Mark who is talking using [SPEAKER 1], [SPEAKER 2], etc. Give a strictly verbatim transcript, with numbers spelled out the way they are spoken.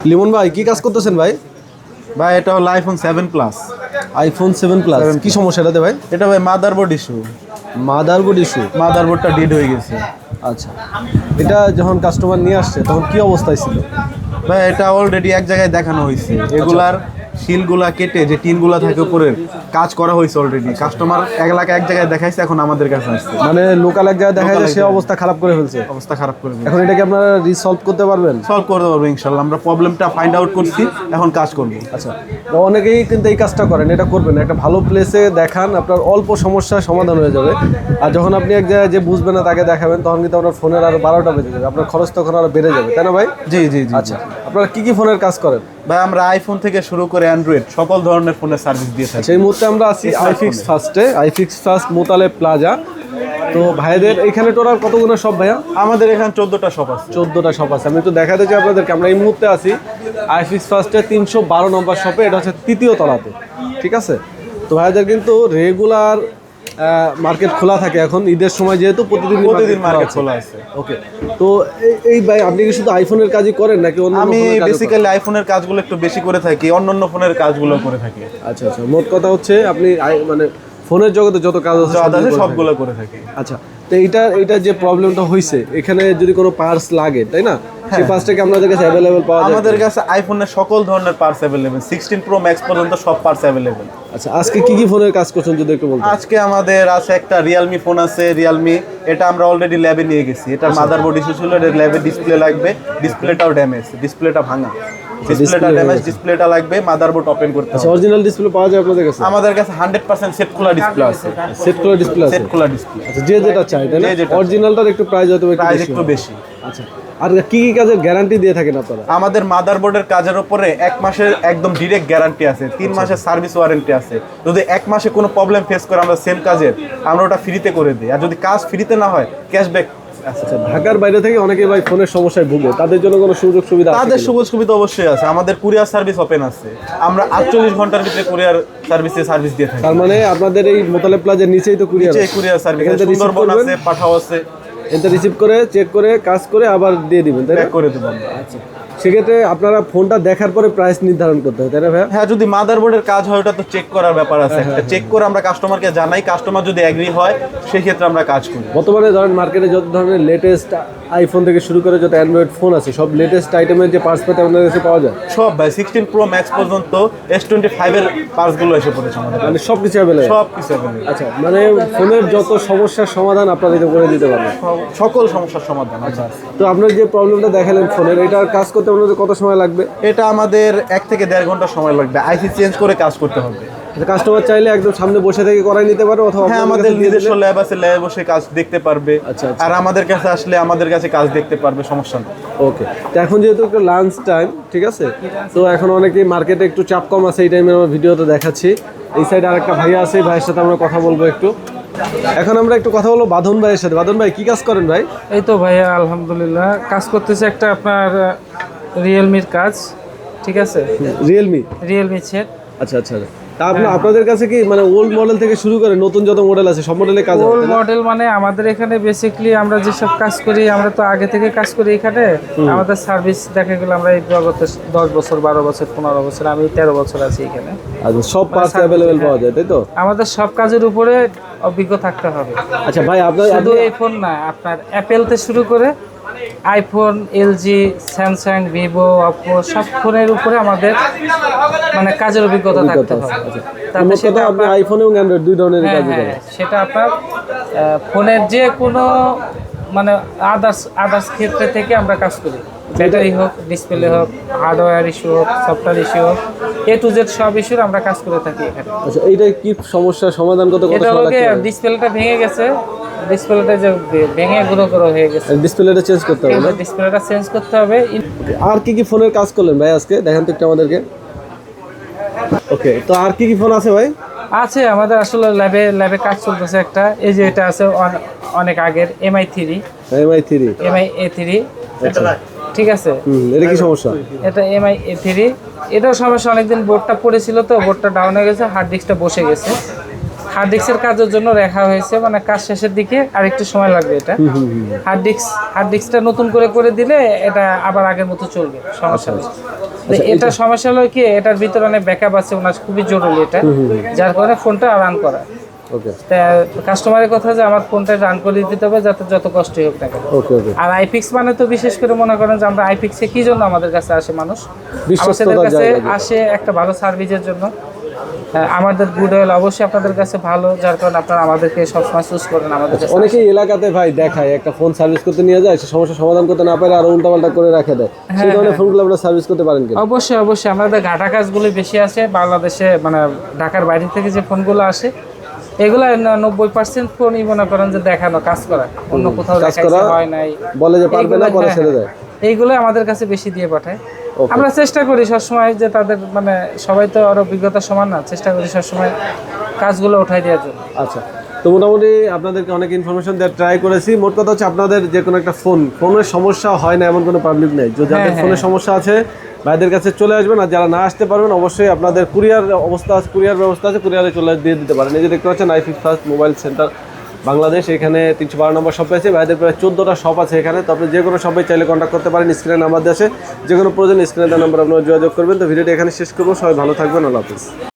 [SPEAKER 1] লিমন ভাই কি কাজ করতেছেন ভাই?
[SPEAKER 2] ভাই এটা হলো iPhone seven plus.
[SPEAKER 1] IPhone seven plus কি সমস্যা এটাতে ভাই?
[SPEAKER 2] এটা ভাই মাদারবোর্ড ইস্যু।
[SPEAKER 1] Motherboard issue?
[SPEAKER 2] মাদারবোর্ডটা ডেড হয়ে গেছে।
[SPEAKER 1] আচ্ছা, এটা যখন কাস্টমার নিয়ে আসছে তখন কি অবস্থায় ছিল
[SPEAKER 2] ভাই? এটা অলরেডি এক জায়গায় দেখানো হয়েছে, এগুলার শিলগুলা কেটে যে টিনগুলা থাকে উপরে কাজ করা হয়েছে অলরেডি। কাস্টমার এক লাখ এক জায়গায় দেখাইছে, এখন আমাদের কাছে আসছে।
[SPEAKER 1] মানে লোকাল এক জায়গায় দেখা যায় সে অবস্থা খারাপ করে ফেলছে।
[SPEAKER 2] অবস্থা খারাপ করে ফেলছে।
[SPEAKER 1] এখন এটা কি আপনারা রিসলভ করতে পারবেন?
[SPEAKER 2] সলভ করতে পারবো ইনশাআল্লাহ। আমরা প্রবলেমটা ফাইন্ড আউট করছি, এখন কাজ করব।
[SPEAKER 1] আচ্ছা, তো অনেকেই কিন্তু এই কাজটা করেন, এটা করবেন একটা ভালো প্লেসে দেখান, আপনার অল্প সমস্যার সমাধান হয়ে যাবে। আর যখন আপনি এক জায়গায় যে বুঝবেন না তাকে দেখাবেন, তখন কিন্তু আপনার ফোনের আরো বারোটা বেজে যাবে, আপনার খরচ তখন আরো বেড়ে যাবে, তাই না ভাই?
[SPEAKER 2] জি জি জি।
[SPEAKER 1] আচ্ছা, আপনারা কি কি ফোনের কাজ করেন
[SPEAKER 2] ভাই? আমরা আইফোন থেকে শুরু করে অ্যান্ড্রয়েড সকল ধরনের ফোনের সার্ভিস দিয়ে থাকি।
[SPEAKER 1] সেই মুহূর্তে আমরা আছি আইফিক্স ফার্স্টে, আইফিক্স ফার্স্ট মোতালে প্লাজা। তো ভাইদের এখানে টোটাল কতগুলো সব ভাইয়া?
[SPEAKER 2] আমাদের এখানে চোদ্দটা শপ আছে।
[SPEAKER 1] চোদ্দোটা শপ আছে। আমি একটু দেখাতে চাই আপনাদেরকে, আমরা এই মুহূর্তে আছি আইফিক্স ফার্স্টে তিনশো বারো নম্বর শপে, এটা হচ্ছে তৃতীয় তলাতে, ঠিক আছে? তো ভাইদের কিন্তু রেগুলার মার্কেট খোলা থাকে এখন ঈদের সময়, যেহেতু প্রতিদিন
[SPEAKER 2] প্রতিদিন মার্কেট খোলা আছে।
[SPEAKER 1] ওকে, তো এই ভাই আপনি কি শুধু আইফোনের কাজই করেন নাকি অন্য?
[SPEAKER 2] আমি বেসিক্যালি আইফোনের কাজগুলো একটু বেশি করে থাকি, অন্যান্য ফোনের কাজগুলো করে থাকি।
[SPEAKER 1] আচ্ছা আচ্ছা, মোট কথা হচ্ছে আপনি মানে ফোনের জগতে যত কাজ আছে
[SPEAKER 2] সবগুলো করে থাকি।
[SPEAKER 1] আচ্ছা, তো এইটা এইটা যে প্রবলেমটা হয়েছে, এখানে যদি কোনো পার্টস লাগে, তাই না, সেই পার্টসটা কি আপনাদের কাছে অ্যাভেলেবল পাওয়া যায়?
[SPEAKER 2] আমাদের কাছে আইফোনের সকল ধরনের parts available, sixteen pro max পর্যন্ত সব পার্টস অ্যাভেলেবল।
[SPEAKER 1] আচ্ছা, আজকে কি কি ফোনের কাজ করছেন যদি একটু বলতেন?
[SPEAKER 2] আজকে আমাদের আছে একটা রিয়েলমি ফোন আছে, রিয়েলমি। এটা আমরা অলরেডি ল্যাবে নিয়ে গেছি। এটা মাদারবোর্ড ইস্যু ছিল, এটা ল্যাবে ডিসপ্লে লাগবে, ডিসপ্লেটাও ড্যামেজ, ডিসপ্লেটা ভাঙা, ডিসপ্লেটা ড্যামেজ, ডিসপ্লেটা লাগবে, মাদারবোর্ড ওপেন করতে হবে।
[SPEAKER 1] অরিজিনাল ডিসপ্লে পাওয়া যায় আপনাদের কাছে?
[SPEAKER 2] আমাদের কাছে হান্ড্রেড পার্সেন্ট সেট খোলা ডিসপ্লে আছে।
[SPEAKER 1] সেট খোলা ডিসপ্লে আছে?
[SPEAKER 2] সেট খোলা ডিসপ্লে।
[SPEAKER 1] আচ্ছা, যে যেটা চাই তাই না? অরিজিনালটার একটু প্রাইস হয়তো
[SPEAKER 2] প্রাইস একটু বেশি।
[SPEAKER 1] আচ্ছা, আর কি কি কাজের গ্যারান্টি দিয়ে থাকেন আপনারা?
[SPEAKER 2] আমাদের মাদারবোর্ডের কাজের উপরে এক মাসের একদম ডিরেক্ট গ্যারান্টি আছে, তিন মাসের সার্ভিস ওয়ারেন্টি আছে। যদি এক মাসে কোনো প্রবলেম ফেস করে আমরা সেম কাজের আমরা ওটা ফ্রিতে করে দিই, আর যদি কাজ ফ্রিতে না হয় ক্যাশব্যাক।
[SPEAKER 1] আচ্ছা, ঢাকার বাইরে থেকে অনেকে ভাই ফোনের সমস্যায় ভুগে, তাদের জন্য কোনো সুযোগ সুবিধা?
[SPEAKER 2] তাদের সুযোগ সুবিধা অবশ্যই আছে। আমাদের কুরিয়ার সার্ভিস ওপেন আছে, আমরা আটচল্লিশ ঘন্টার ভিতরে কুরিয়ার সার্ভিসে সার্ভিস দিয়ে থাকি।
[SPEAKER 1] তার মানে আপনাদের এই মোতালে প্লাজার নিচেই তো কুরিয়ার
[SPEAKER 2] আছে? কুরিয়ার সার্ভিস সুন্দরবন আছে, পাঠাও আছে।
[SPEAKER 1] এটা রিসিভ করে চেক করে কাজ করে আবার দিয়ে দিবেন, তাই না?
[SPEAKER 2] করে দেবো।
[SPEAKER 1] আচ্ছা, সেক্ষেত্রে আপনারা ফোনটা দেখার পরে প্রাইস নির্ধারণ করতে হয়, তাই না ভাই?
[SPEAKER 2] হ্যাঁ, যদি মাদারবোর্ডের কাজ হয় ওটা তো চেক করার ব্যাপার আছে, একটা চেক করে আমরা কাস্টমারকে জানাই, কাস্টমার যদি এগ্রি হয় সেই ক্ষেত্রে আমরা কাজ করি।
[SPEAKER 1] বর্তমানে ধরেন মার্কেটে যত ধরনের লেটেস্ট আইফোন থেকে শুরু করে যত অ্যান্ড্রয়েড ফোন আছে, সব লেটেস্ট আইটেমের যে পার্টস পেতে আপনাদের কাছে পাওয়া যায়
[SPEAKER 2] সব ভাই। সিক্সটিন প্রো ম্যাক্স পর্যন্ত এস টোয়েন্টি ফাইভ এর পার্টসগুলো এসে পড়েছে আমাদের,
[SPEAKER 1] মানে সব কিছু অ্যাভেলেবল?
[SPEAKER 2] সব কিছু অ্যাভেলেবল।
[SPEAKER 1] আচ্ছা, মানে ফোনের যত সমস্যার সমাধান আপনারা এটা করে দিতে পারবেন?
[SPEAKER 2] সকল সমস্যার সমাধান। আচ্ছা,
[SPEAKER 1] তো আপনার যে প্রবলেমটা দেখালেন ফোনের, এটার কাজ করতে আপনাদের কত সময় লাগবে?
[SPEAKER 2] এটা আমাদের এক থেকে দেড় ঘন্টা সময় লাগবে। আইসি চেঞ্জ করে কাজ করতে হবে।
[SPEAKER 1] কাস্টমার চাইলে একদম সামনে বসে থেকে করাই নিতে পারে, অথবা
[SPEAKER 2] হ্যাঁ, আমাদের নিজস্ব ল্যাব আছে, ল্যাবে বসে কাজ দেখতে পারবে।
[SPEAKER 1] আচ্ছা,
[SPEAKER 2] আর আমাদের কাছে আসলে আমাদের কাছে কাজ দেখতে পারবে, সমস্যা নেই।
[SPEAKER 1] ওকে, তো এখন যেহেতু একটু লাঞ্চ টাইম, ঠিক আছে, তো এখন অনেকেই মার্কেটে একটু চাপ কম আছে, এই টাইমে আমরা ভিডিওতে দেখাচ্ছি। এই সাইডে আরেকটা ভাইয়া আছে, এই ভাইয়ের সাথে আমরা কথা বলবো একটু। এখন আমরা একটু কথা বলবো বাঁধন ভাইয়ের সাথে। বাঁধন ভাই কি কাজ করেন ভাই?
[SPEAKER 3] এই তো ভাইয়া আলহামদুলিল্লাহ কাজ করতেছে একটা আপনার রিয়েলমির কাজ, ঠিক আছে?
[SPEAKER 1] Realme
[SPEAKER 3] Realme set.
[SPEAKER 1] আচ্ছা আচ্ছা, তা আপনার আপনাদের কাছে কি মানে ওল্ড মডেল থেকে শুরু করে নতুন যত মডেল আছে সব মডেলের কাজ?
[SPEAKER 3] ওল্ড মডেল মানে আমাদের এখানে বেসিক্যালি আমরা যেসব কাজ করি, আমরা তো আগে থেকে কাজ করি এখানে। আমাদের সার্ভিস দেখা গেল আমরা এই জগতে দশ বছর, বারো বছর, পনেরো বছর, আমি তেরো বছর আছি এখানে।
[SPEAKER 1] আচ্ছা, সব পার্টস অ্যাভেলেবল পাওয়া যায়, তাই তো?
[SPEAKER 3] আমাদের সব কাজের উপরে অভিজ্ঞ থাকতে হবে।
[SPEAKER 1] আচ্ছা ভাই, আপনার
[SPEAKER 3] শুধু এই ফোন না, আপনার অ্যাপেল থেকে শুরু করে iPhone, LG, Samsung, Vivo, Oppo সব ফোনের উপরে আমাদের মানে কাজের অভিজ্ঞতা থাকতে হবে। তারপরে সেটা
[SPEAKER 1] আপনি আইফোন এবং অ্যান্ড্রয়েড দুই ধরনের কাজ করেন?
[SPEAKER 3] সেটা আপনার ফোনের যে কোনো মানে আদার্স আদার্স ক্ষেত্রে থেকে আমরা কাজ করি, ব্যাটারি হোক, ডিসপ্লে হোক, হার্ডওয়্যার ইস্যু হোক, সফটওয়্যার ইস্যু হোক, এ টু জেড সব ইস্যুর আমরা কাজ করে থাকি এখানে।
[SPEAKER 1] আচ্ছা, এইটা কি সমস্যার সমাধান কত কত
[SPEAKER 3] এটা হচ্ছে ডিসপ্লেটা ভেঙে গেছে, ডিসপ্লেটা যে ভেঙে গুঁড়ো গুঁড়ো হয়ে গেছে,
[SPEAKER 1] ডিসপ্লেটা চেঞ্জ করতে হবে।
[SPEAKER 3] ডিসপ্লেটা চেঞ্জ করতে হবে।
[SPEAKER 1] আর কি কি ফোনের কাজ করলেন ভাই আজকে, দেখেন তো একটু আমাদেরকে। ওকে, তো আর কি কি ফোন আছে ভাই?
[SPEAKER 3] আছে আমাদের আসলে ল্যাবে ল্যাবে কাজ চলতেছে একটা, এই যে এটা আছে অনেক আগের Mi three,
[SPEAKER 1] Mi three,
[SPEAKER 3] Mi A three, ঠিক আছে?
[SPEAKER 1] এটা কি সমস্যা?
[SPEAKER 3] এটা এমআই এ থ্রি, এটাও সমস্যা, অনেকদিন বোর্ডটা পড়েছিল তো বোর্ডটা ডাউন হয়ে গেছে, হার্ড ডিস্কটা বসে গেছে। হার্ড ডিস্কের কাজের জন্য রাখা হয়েছে, মানে কাজ শেষের দিকে আর একটু সময় লাগবে। এটা হার্ড ডিস্ক হার্ড ডিস্কটা নতুন করে করে দিলে এটা আবার আগের মতো চলবে, সমস্যা নেই। তো এটা সমস্যা হলো কি, এটার ভিতরে অনেক ব্যাকআপ আছে, ওনার খুবই জরুরি এটা, যার কারণে ফোনটা রান করা।
[SPEAKER 1] ওকে
[SPEAKER 3] কাস্টমারের কথা যে আমার ফোনটা রান করে দিতে হবে, যাতে যত কষ্টই হোক না কেন।
[SPEAKER 1] ওকে ওকে
[SPEAKER 3] আর আইপিক্স মানে তো বিশেষ করে মনে করেন যে আমরা আইপিক্সে কি জন্য আমাদের কাছে আসে মানুষ, আমাদের
[SPEAKER 1] বিশ্বস্ততার
[SPEAKER 3] কাছে
[SPEAKER 1] জায়গা।
[SPEAKER 3] আসে একটা ভালো সার্ভিসের জন্য। হ্যাঁ, আমাদের গুড অয়েল অবশ্যই আপনাদের কাছে ভালো, যার কারণে আপনারা আমাদেরকে সবসময় চুজ করেন আমাদের কাছে।
[SPEAKER 1] অনেকেই এলাকাতে ভাই দেখায় একটা ফোন সার্ভিস করতে নিয়ে যায়, সে সমস্যা সমাধান করতে না পারে আর উল্টাপাল্টা করে রাখে দেয়, সেই ধরনের ফোনগুলো আপনারা সার্ভিস করতে পারেন কিনা?
[SPEAKER 3] অবশ্যই অবশ্যই আমাদের ঘাটা কাজগুলো বেশি আছে বাংলাদেশে, মানে ঢাকার বাইরে থেকে যে ফোনগুলো আসে এগুলো নব্বই পার্সেন্ট ফোনই মনে করেন যে দেখানো কাজ করা, অন্য কোথাও
[SPEAKER 1] কাজ
[SPEAKER 3] দেখাইছে
[SPEAKER 1] করা,
[SPEAKER 3] হয় নাই,
[SPEAKER 1] বলে যে পারবে না,
[SPEAKER 3] এইগুলো-
[SPEAKER 1] পরে
[SPEAKER 3] হ্যাঁ,
[SPEAKER 1] ছেড়ে দেয়।
[SPEAKER 3] এইগুলো আমাদের কাছে বেশি দিয়ে পাঠায়।
[SPEAKER 1] Okay.
[SPEAKER 3] আমরা চেষ্টা করি সবসময় যে তাদের মানে সবাই তো আর অভিজ্ঞতা সমান না, চেষ্টা করি সবসময় কাজগুলো উঠাই দেওয়ার জন্য।
[SPEAKER 1] আচ্ছা, তো মোটামুটি আপনাদেরকে অনেক ইনফরমেশন দেওয়ার ট্রাই করেছি। মোট কথা হচ্ছে আপনাদের যে কোনো একটা ফোন ফোনের সমস্যা হয় না এমন কোনো পাবলিক নেই, যে যাদের
[SPEAKER 3] হ্যাঁ,
[SPEAKER 1] ফোনের সমস্যা আছে ভাইদের কাছে চলে আসবেন, আর যারা না আসতে পারবেন অবশ্যই আপনাদের কুরিয়ার অবস্থা আছে, কুরিয়ার ব্যবস্থা আছে, কুরিয়ারে চলে দিয়ে দিতে পারেন। এই যে দেখতে পাচ্ছেন iFix first mobile centre Bangladesh, এখানে তিনশো বারো নম্বর শপ আছে, ভাইদের প্রায় চোদ্দোটা শপ আছে এখানে। তো আপনি যে কোনো শপে চাইলে কন্ট্যাক্ট করতে পারেন, স্ক্রিনে নাম্বার দেওয়া আছে, যে কোনো প্রয়োজন স্ক্রিনে দেওয়া নাম্বার আপনারা যোগাযোগ করবেন। তো ভিডিওটি এখানে শেষ করবো, সবাই ভালো থাকবেন, আল্লাহ হাফিজ।